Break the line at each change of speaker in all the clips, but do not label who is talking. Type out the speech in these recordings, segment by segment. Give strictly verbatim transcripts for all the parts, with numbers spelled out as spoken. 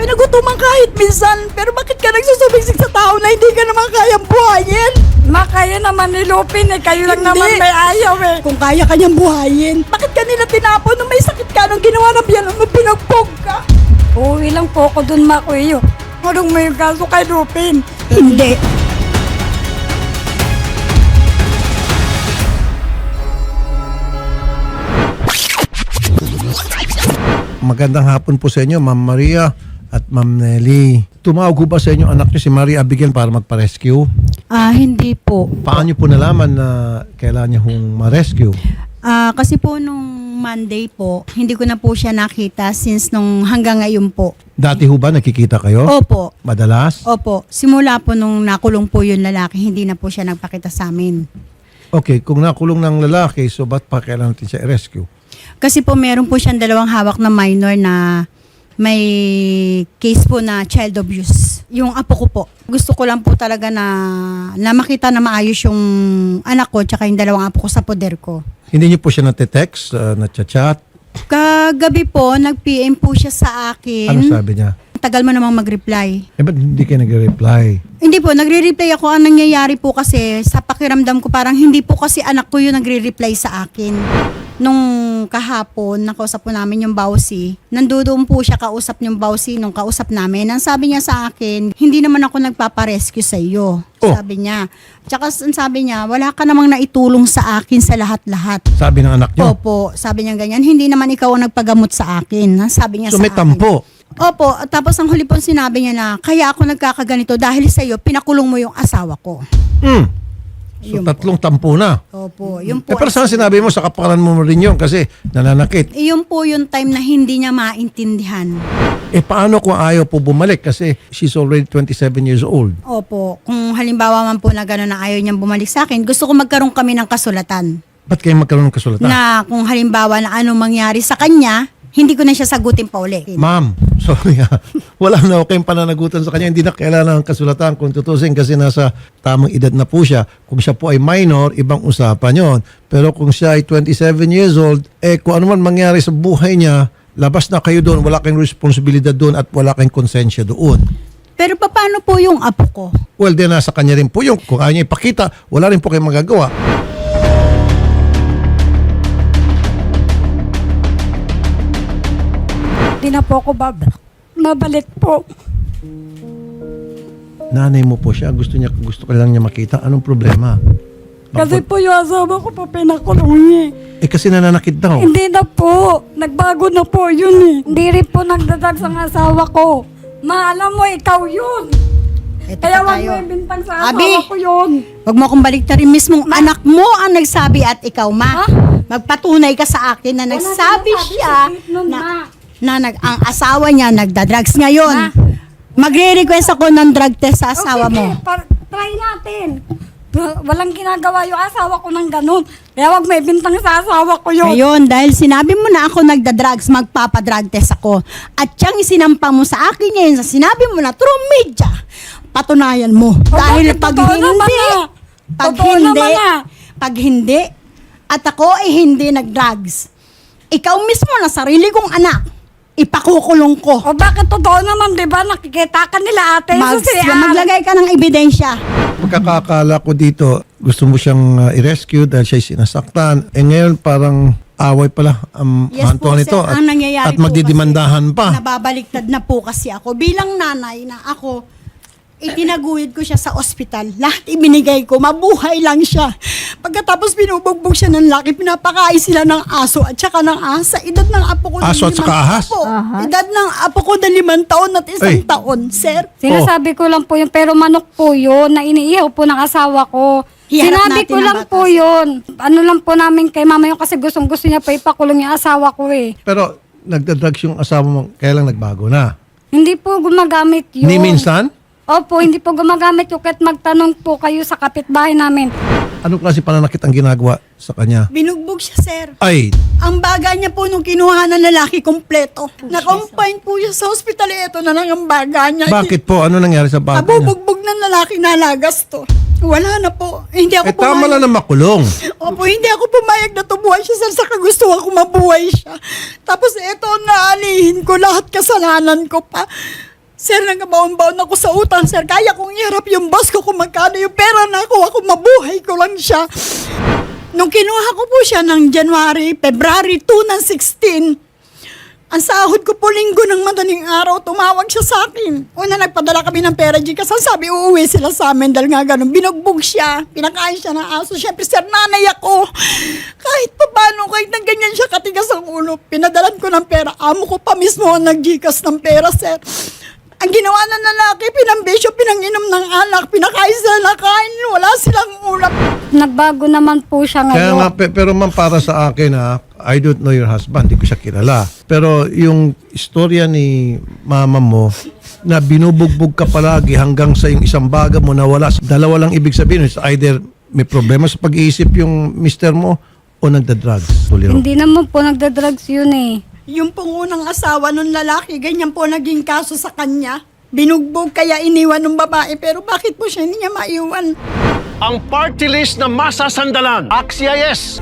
Pinagutuman kahit minsan. Pero bakit ka nagsusubiksik sa tao na hindi ka naman kayang buhayin?
Ma, kaya naman ni Lupin eh. Kayo lang
Hindi.
naman may ayaw eh.
Kung kaya ka niyang buhayin, bakit ka nila tinapon nung may sakit ka nung ginawa ng biyan nung pinagbog ka?
Uuwi lang po ako dun, ma, kuyo. Anong may kaso kay Lupin?
Hindi.
Magandang hapon po sa inyo, Ma'am Maria at Ma'am Nelly. Tumawag ko ba sa inyo anak niyo si Maria Abigail para magpa-rescue?
Ah, hindi po.
Paano niyo po nalaman na kailangan niya hong ma-rescue?
Ah, kasi po nung Monday po, hindi ko na po siya nakita since nung hanggang ngayon po.
Dati ho ba nakikita kayo?
Opo.
Madalas?
Opo. Simula po nung nakulong po yung lalaki, hindi na po siya nagpakita sa amin.
Okay, kung nakulong ng lalaki, so ba't pa kailangan natin siya i-rescue?
Kasi po meron po siyang dalawang hawak na minor na may case po na child abuse. Yung apo ko po. Gusto ko lang po talaga na, na makita na maayos yung anak ko tsaka yung dalawang apo ko sa poder ko.
Hindi niyo po siya nate-text, uh, nat-chat?
Kagabi po, nag-P M po siya sa akin.
Ano sabi niya?
Tagal mo namang mag-reply.
Eh, ba't hindi kayo nagre-reply?
Hindi po, nagre-reply ako. Ang nangyayari po kasi, sa pakiramdam ko, parang hindi po kasi anak ko yung nagre-reply sa akin. Nung kahapon, nakausap po namin yung Bawsi. Nandoon po siya kausap yung Bawsi nung kausap namin. Ang sabi niya sa akin, hindi naman ako nagpaparescue sa iyo.
Oh.
Sabi niya. Tsaka ang sabi niya, wala ka namang naitulong sa akin sa lahat-lahat.
Sabi ng anak niyo?
Opo, sabi niya ganyan. Hindi naman ikaw ang nagpagamot sa akin. Sabi niya
So
sa
may
akin.
tampo?
Opo, at tapos ang huli po sinabi niya na, kaya ako nagkakaganito dahil sa iyo, pinakulong mo yung asawa ko.
Hmm. So
Yun
tatlong tampo na.
Opo, yun
Eh,
po.
pero saan sinabi mo sa kapalan mo rin yun kasi nananakit.
Yun po yung time na hindi niya maintindihan.
Eh paano kung ayaw po bumalik kasi she's already twenty-seven years old?
Opo, kung halimbawa man po na gano'n na ayaw niyang bumalik sa akin, gusto ko magkaroon kami ng kasulatan.
Ba't kayo magkaroon ng kasulatan?
Na kung halimbawa na anong mangyari sa kanya, hindi ko na siya sagutin pa uli.
Ma'am, sorry ha. Wala na ako kayong pananagutan sa kanya. Hindi na kailangan ng kasulatan kung tutusin kasi nasa tamang edad na po siya. Kung siya po ay minor, ibang usapan yon. Pero kung siya ay twenty-seven years old, eh kung ano man mangyari sa buhay niya, labas na kayo doon, wala kayong responsibilidad doon at wala kayong konsensya doon.
Pero paano po yung apo ko?
Well, then nasa kanya rin po yung kung ayaw niya ipakita, wala rin po kayong magagawa.
Hindi na po ako bab mabalik po.
Nanay mo po siya, gusto niya gusto ka lang niya makita. Anong problema?
Kasi po yung asawa ko po pinakulong niya.
Eh kasi nananakit daw.
Hindi na po. Nagbago na po yun eh. Hindi rin po nagdadag sa asawa ko. Ma, alam mo, ikaw yun.
Ito
Kaya
pa
wag
tayo.
mo ibintang sa
Abi!
asawa ko yun.
Huwag mo akong baliktarin. Mismong anak mo ang nagsabi at ikaw, ma.
Ha?
Magpatunay ka sa akin na nagsabi
sinasabi
siya
sa gate nun,
na,
ma.
na nag, ang asawa niya nagda-drugs ngayon.
Ma.
Magre-request ako ng drug test sa asawa
O, sige,
mo.
par- try natin. Wa- Walang ginagawa yung asawa ko ng ganun. Kaya wag may bintang sa asawa ko yun.
Ngayon, dahil sinabi mo na ako nagda-drugs, magpapa-drug test ako. At siyang isinampa mo sa akin ngayon sa sinabi mo na through media, patunayan mo.
O,
dahil
bakit
pag
totoo
hindi,
naman ah?
pag
Totoo
hindi,
naman ah.
pag hindi, at ako ay hindi nag-drugs, ikaw mismo na sarili kong anak, ipakukulong ko.
O bakit totoo naman, di ba? Nakikita ka nila ate.
Mag,
so, si
maglagay ka ng ebidensya.
Pagkakakala ko dito, gusto mo siyang uh, i-rescue dahil siya sinasaktan. Eh ngayon parang away pala ang
Yes
hanto
po,
nito
sir.
at,
Ang nangyayari
at
po
magdidimandahan
kasi,
pa.
Nababaliktad na po kasi ako. Bilang nanay na ako, itinaguyod ko siya sa ospital. Lahat ibinigay ko. Mabuhay lang siya. Pagkatapos binubugbog siya ng laki, pinapakain sila ng aso at saka ng asa. Edad ng apo ko na
Aso at saka
limang-
ahas?
Opo. Edad ng apo ko na limang taon at isang
Ay.
taon, sir.
Sinasabi ko lang po yun, pero manok po yun, na iniihaw po ng asawa ko.
Hiharap
Sinabi
natin
ko
ang
lang
batas.
po yun. Ano lang po namin kay mama yung kasi gustong gusto niya pa ipakulong yung asawa ko eh.
Pero nagdadrugs yung asawa mo, kaya lang nagbago na.
Hindi po gumagamit yun.
Ni minsan?
Opo, hindi po gumagamit yung kahit magtanong po kayo sa kapitbahay namin.
Anong klase pananakit ang ginagawa sa kanya?
Binugbog siya, sir.
Ay,
Ang baga niya po nung kinuha ng lalaki kompleto. Na-confine po siya sa ospital. Ito na lang ang baga niya.
bakit po? Ano nangyari sa bago niya?
Nabubugbog ng lalaki, nalagas to. Wala na po. Hindi ako
Eh tama
pumayag.
lang na makulong.
Opo, hindi ako pumayag na tumuhay siya sa kagustuhan ko mabuhay siya. Tapos eto, naalihin ko lahat kasalanan ko pa.
Sir, nagkabaon-baon ako sa utang, sir. Kaya kong iharap yung boss ko kung magkano yung pera na ako. Ako mabuhay ko lang siya. Nung kinuha ko po siya ng January, February two ng sixteen, ang sahod ko po linggo ng madaling araw, tumawag siya sa akin. Una, nagpadala kami ng pera, G, kasi sabi, uuwi sila sa amin dahil nga ganun. Binugbog siya, pinakain siya ng aso. Siyempre, sir, nanay ako. Kahit pa paano, kahit na ganyan siya katigas ang ulo, pinadalan ko ng pera. Amo ko pa mismo ang nag-Gcash ng pera, sir. Ang ginawa ng lalaki, pinambisyo, pinanginom ng alak, pinakain sila na kain, wala silang ulap.
Nagbago naman po siya ngayon.
Kaya nga, pe- pero ma'am, para sa akin ha, I don't know your husband, hindi ko siya kilala. Pero yung istorya ni mama mo, na binubugbog ka palagi hanggang sa yung isang baga mo na wala, dalawa lang ibig sabihin, it's either may problema sa pag-iisip yung mister mo o nagda-drugs. Tuliro.
Hindi naman po nagda-drugs yun eh.
Yung pong unang asawa ng lalaki, ganyan po naging kaso sa kanya. Binugbog kaya iniwan ng babae, pero bakit po siya hindi niya maiwan?
Ang party list na masasandalan. Axia yes.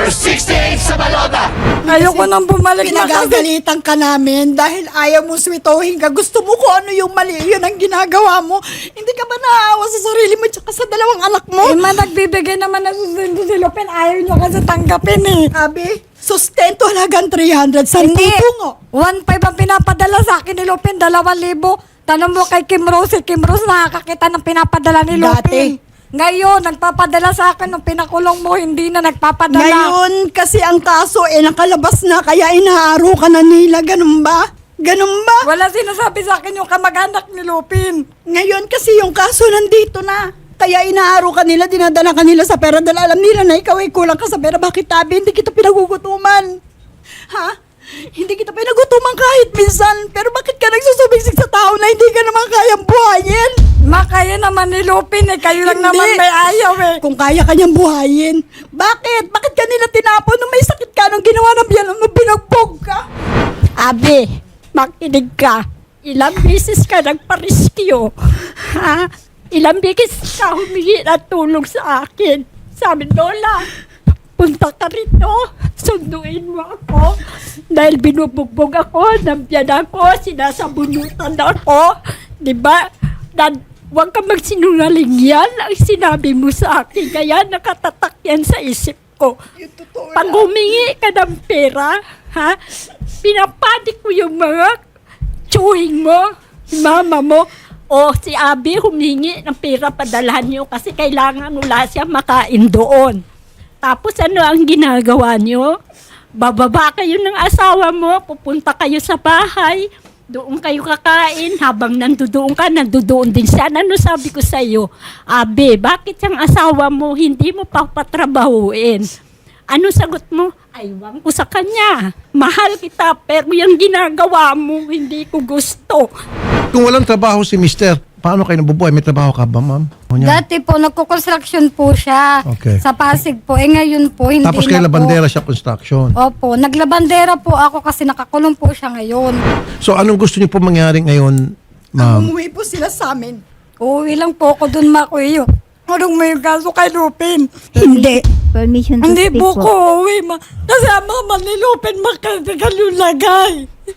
Ayoko nang bumalik na kasi.
Pinagagalitan ka namin dahil ayaw mo switohin ka. Gusto mo kung ano yung mali, yun ang ginagawa mo. Hindi ka ba naaawa sa sarili mo tsaka sa dalawang anak mo?
Eh, ma, nagbibigay naman na susundo si Lupin. Ayaw niyo kasi tanggapin eh.
Abi, sustento halagang three hundred. Saan
Hindi.
tutungo?
one five ang pinapadala sa akin ni Lupin. Dalawang libo. Tanong mo kay Kim Rose. Si Kim Rose nakakakita ng pinapadala ni Lupin.
Dati.
Ngayon, nagpapadala sa akin nung pinakulong mo, hindi na nagpapadala.
Ngayon, kasi ang kaso eh nakalabas na, kaya inaaro ka na nila. Ganun ba? Ganun ba?
Wala sinasabi sa akin yung kamag-anak ni Lupin.
Ngayon kasi yung kaso nandito na. Kaya inaaro ka nila, dinadala ka nila sa pera dahil alam nila na ikaw ay kulang ka sa pera. Bakit tabi? Hindi kita pinagugutuman. Ha? Hindi kita pinagutuman kahit minsan. Pero bakit ka nagsusubiksik sa tao na hindi ka naman kayang buhayin?
Ma, kaya naman ni Lupin eh. Kayo lang
Hindi.
naman may ayaw eh.
Kung kaya kanyang buhayin. Bakit? Bakit ka nila tinapon nung may sakit ka nung ginawa ng biyan nung pinagbog ka?
Abi, makinig ka. Ilang beses ka nagpariskyo. Ha? Ilang beses ka humingi ng tulong sa akin. Sabi, Lola, punta ka rito. Sunduin mo ako. Dahil binubugbog ako, nabyan ako, sinasabunutan ako. Diba? Na, huwag ka magsinungaling yan ang sinabi mo sa akin. Kaya nakatatak yan sa isip ko. Pag humingi ka ng pera, ha? Pinapadik ko yung mga tsuhing mo, mama mo, o si Abi humingi ng pera, padalhan niyo kasi kailangan wala siya makain doon. Tapos ano ang ginagawa niyo? Bababa kayo ng asawa mo, pupunta kayo sa bahay, doon kayo kakain, habang nandoon ka, nandoon din siya. Ano sabi ko sa iyo? Abi, bakit yung asawa mo hindi mo pa patrabahuin? Ano sagot mo? Aywan ko sa kanya. Mahal kita, pero yung ginagawa mo, hindi ko gusto.
Kung walang trabaho si mister, paano kayo nabubuhay? May trabaho ka ba, ma'am? O niya?
Dati po, nagko-construction po siya.
Okay.
Sa Pasig po. Eh ngayon po, hindi
Tapos
na
kayo
po.
labandera siya construction.
Opo, naglabandera po ako kasi nakakulong po siya ngayon.
So anong gusto niyo po mangyari ngayon, ma'am?
Umuwi po sila sa amin.
Uuwi lang po ako dun, Makuyo. Anong may kaso kay Lupin?
Hindi.
Permission to
Hindi
speak
po
po.
ko uuwi, ma. Kasi ang mama ni Lupin makatagal yung lagay.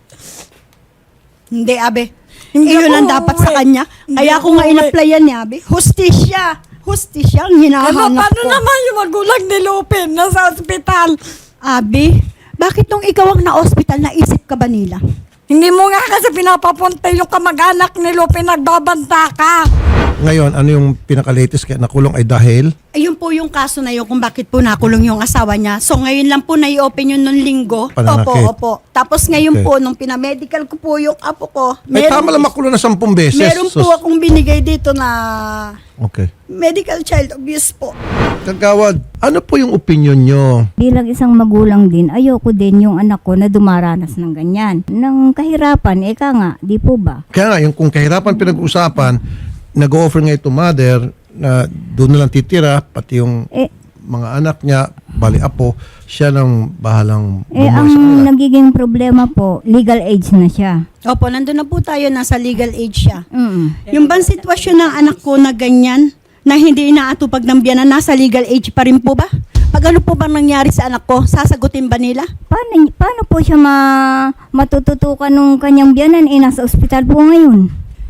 Hindi, Abe.
Hindi
Iyon ang
ako
dapat
uuwi.
sa kanya.
Hindi
Kaya
ako
ako nga
uuwi.
inaplayan ni Abe. Hustisya. Hustisya ang
Ano,
hinahanap
paano
ko.
naman yung magulang ni Lupin nasa ospital?
Abi, bakit nung ikaw ang na-hospital, naisip ka ba nila?
Hindi mo nga kasi pinapapunta yung kamag-anak ni Lupin, nagbabanta ka.
Ngayon, ano yung pinaka-latest kaya nakulong ay dahil?
Ayun po yung kaso na yun kung bakit po nakulong yung asawa niya. So ngayon lang po na-i-open yun nung linggo.
Pananakit.
Opo, opo. Tapos ngayon
Okay.
po, nung pinamedical ko po yung apo ko,
Ay, tama lang makulong na sampung beses.
meron
So-
po akong binigay dito na
Okay.
medical child abuse po.
Kagawad, ano po yung opinion nyo?
Bilang isang magulang din, ayoko din yung anak ko na dumaranas ng ganyan. Nang kahirapan, eka nga, di po ba?
Kaya nga, yung kung kahirapan pinag-uusapan, nag-offer nga ito mother na doon na lang titira, pati yung
Eh,
mga anak niya, bali apo, siya nang bahalang
eh
bumuhay
ang
sa kanila.
nagiging problema po, legal age na siya.
Opo, nandun na po tayo, nasa legal age siya.
Mm.
Yung bang sitwasyon ng anak ko na ganyan, na hindi inaatupag ng biyanan, nasa legal age pa rin po ba? Pag ano po bang nangyari sa anak ko, sasagutin ba nila?
Paano, paano po siya ma, matututukan nung kanyang biyanan? Eh, nasa ospital po ngayon.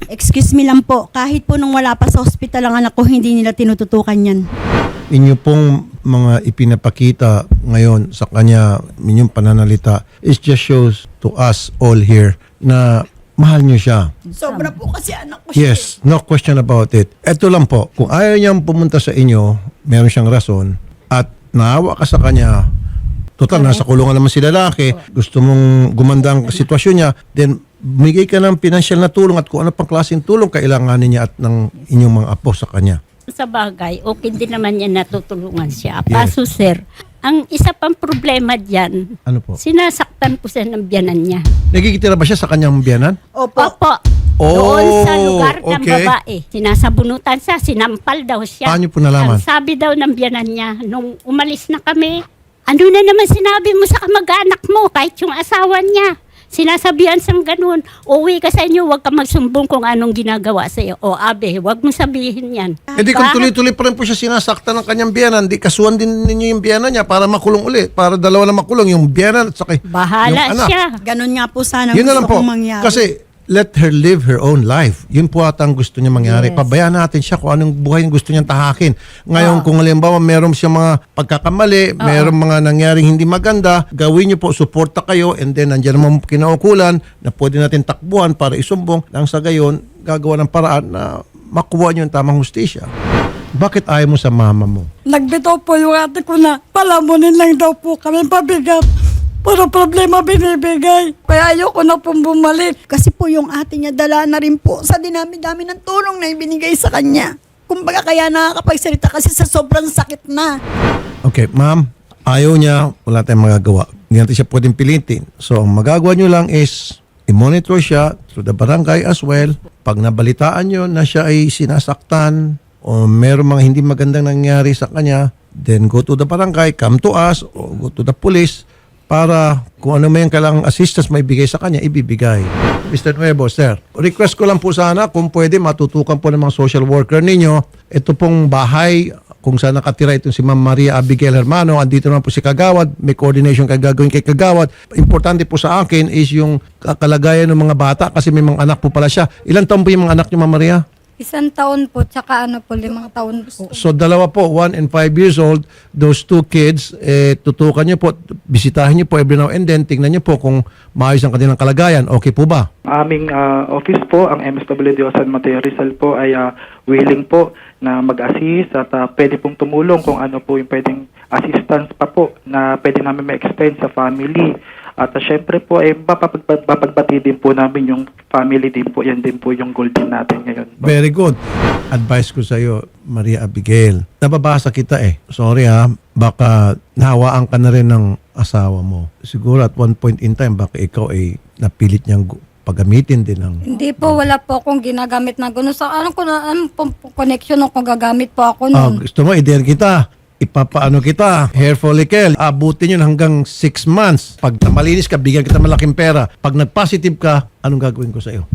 Excuse me lang po, kahit po nung wala pa sa hospital ang anak ko, hindi nila tinututukan yan.
Inyo pong mga ipinapakita ngayon sa kanya, inyong pananalita, it just shows to us all here na mahal nyo siya.
Sobra po kasi anak ko siya.
Yes, no question about it. Ito lang po, kung ayaw niyang pumunta sa inyo, meron siyang rason, at naawa ka sa kanya, total, nasa kulungan naman si lalaki, gusto mong gumanda ang sitwasyon niya, then bigay ka ng financial na tulong at kung ano pang klaseng tulong kailanganin niya at ng inyong mga apo sa kanya.
Sa bagay, okay din naman yan natutulungan siya.
Yes.
Paso sir, ang isa pang problema dyan,
Ano po?
sinasaktan ko siya ng biyanan niya.
Nagkikitira ba siya sa kanyang biyanan?
Opo.
Opo.
Oh,
Doon sa lugar ng
okay.
babae. Sinasabunutan siya, sinampal daw siya.
Paano po nalaman?
Ang sabi daw ng biyanan niya, nung umalis na kami, ano na naman sinabi mo sa kamag-anak mo, kahit yung asawa niya. Sinasabihan siyang ganun, uwi ka sa inyo, huwag ka magsumbong kung anong ginagawa sa iyo. O abe, huwag mo sabihin yan.
Eh di kung
Bakit?
tuloy-tuloy pa rin po siya sinasaktan ng kanyang biyanan, di kasuhan din ninyo yung biyanan niya para makulong uli. Para dalawa na makulong, yung biyanan at saka
Bahala
yung anak.
siya.
Ganon nga po sana
Yun na lang
gusto
po.
kong mangyari.
Kasi let her live her own life. Yun po ata ang gusto niya mangyari.
Yes.
Pabayaan natin siya kung anong buhay yung gusto niyang tahakin. Ngayon, kung halimbawa meron siya mga pagkakamali, meron mga nangyaring hindi maganda, gawin niyo po, suporta kayo, and then nandiyan naman kinaukulan na pwede natin takbuhan para isumbong. Nang sa gayon, gagawa ng paraan na makuha niyo yung tamang hustisya. Bakit ayaw mo sa mama mo?
Nagbitaw po yung ate ko na palamunin lang daw po kami pabigat. Puro problema binibigay. Kaya ayoko na pong bumalik. Kasi po yung ate niya dala na rin po sa dinami-dami ng tulong na ibinigay sa kanya. Kumbaga kaya nakakapagsalita kasi sa sobrang sakit na.
Okay, ma'am, ayaw niya, wala tayong magagawa. Hindi natin siya pwedeng pilitin. So, ang magagawa niyo lang is i-monitor siya through the barangay as well. Pag nabalitaan niyo na siya ay sinasaktan o meron mga hindi magandang nangyari sa kanya, then go to the barangay, come to us, or go to the police para kung ano may kailangang assistance may bigay sa kanya, ibibigay. Mister Nuevo, sir, request ko lang po sana kung pwede matutukan po ng mga social worker ninyo. Ito pong bahay kung saan nakatira itong si Ma'am Maria Abigail Hermano, andito naman po si Kagawad, may coordination kay gagawin kay Kagawad. Importante po sa akin is yung kalagayan ng mga bata kasi may mga anak po pala siya. Ilan taon po yung mga anak niyo, Ma'am Maria?
Isang taon po, tsaka ano po, limang taon po.
So dalawa po, one and five years old, those two kids, eh, tutukan niyo po, bisitahin niyo po every now and then, tingnan niyo po kung maayos ang kanilang kalagayan. Okay po ba?
Aming ah, office po, ang M S W D O San Mateo Rizal po ay ah, willing po na mag-assist at ah, pwede pong tumulong kung ano po yung pwedeng assistance pa po na pwede namin ma-extend sa family. At uh, syempre po, eh, mapapag- mapagbati din po namin yung family din po. Yan din po yung goal din natin ngayon.
Very good. Advice ko sa iyo, Maria Abigail. Nababasa kita eh. Sorry ha, baka nahawaan ka na rin ng asawa mo. Siguro at one point in time, baka ikaw ay napilit niyang gu- paggamitin din ng...
Hindi po, wala po akong ginagamit na gano'n. Sa anong ko na, anong po, po connection kung gagamit po ako
Ah,
nun.
gusto mo, i-dare kita. Ipapaano kita, hair follicle, abutin yun hanggang six months. Pag malinis ka, bigyan kita malaking pera. Pag nag-positive ka, anong gagawin ko sa iyo?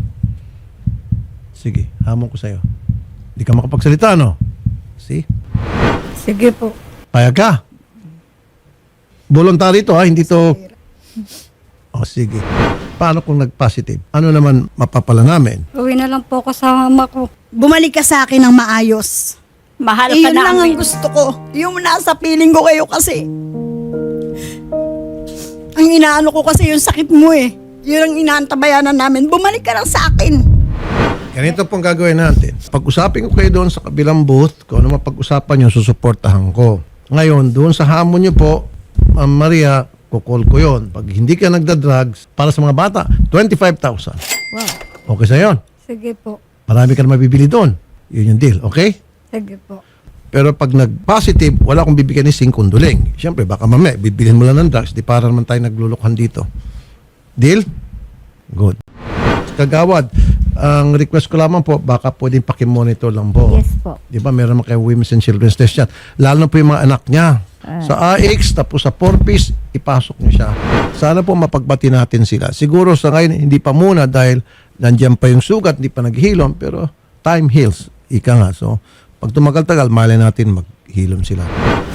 Sige, hamon ko sa iyo. Hindi ka makapagsalita, no? See?
Sige po.
Payag ka. Voluntary to ha, hindi to... O sige. Paano kung nag-positive? Ano naman mapapala namin?
Uwi na lang po ako sa mama ko.
Bumalik ka sa akin ng maayos.
Mahal
Eh,
ka
yun lang ang
namin.
gusto ko. Yung nasa feeling ko kayo kasi. Ang inaano ko kasi yung sakit mo eh. Yun ang inaantabayanan namin. Bumalik ka lang sa akin.
Ganito pong gagawin natin. Pag-usapin ko kayo doon sa kabilang booth, kung ano mapag-usapan nyo, susuportahan ko. Ngayon, doon sa hamon nyo po, Ma'am Maria, kukol ko yon. Pag hindi ka nagda-drugs, para sa mga bata, twenty-five thousand.
Wow.
Okay sa yon.
Sige po.
Marami ka na mabibili doon. Yun yung deal, okay?
Sige po.
Pero pag nag-positive, wala akong bibigyan ni sing kunduling. Siyempre, baka mamaya, bibilhin mo lang ng drugs, di para naman tayo naglulukhan dito. Deal? Good. Kagawad, ang request ko lamang po, baka pwedeng pakimonitor lang po.
Yes po.
Di ba, meron naman kayo Women's and Children's Test yan. Lalo na po yung mga anak niya. Sa A X, tapos sa four piece, ipasok niyo siya. Sana po mapagbati natin sila. Siguro sa ngayon, hindi pa muna dahil nandiyan pa yung sugat, hindi pa naghilom, pero time heals. Ika nga. So, pag tumagal-tagal, malay natin maghilom sila.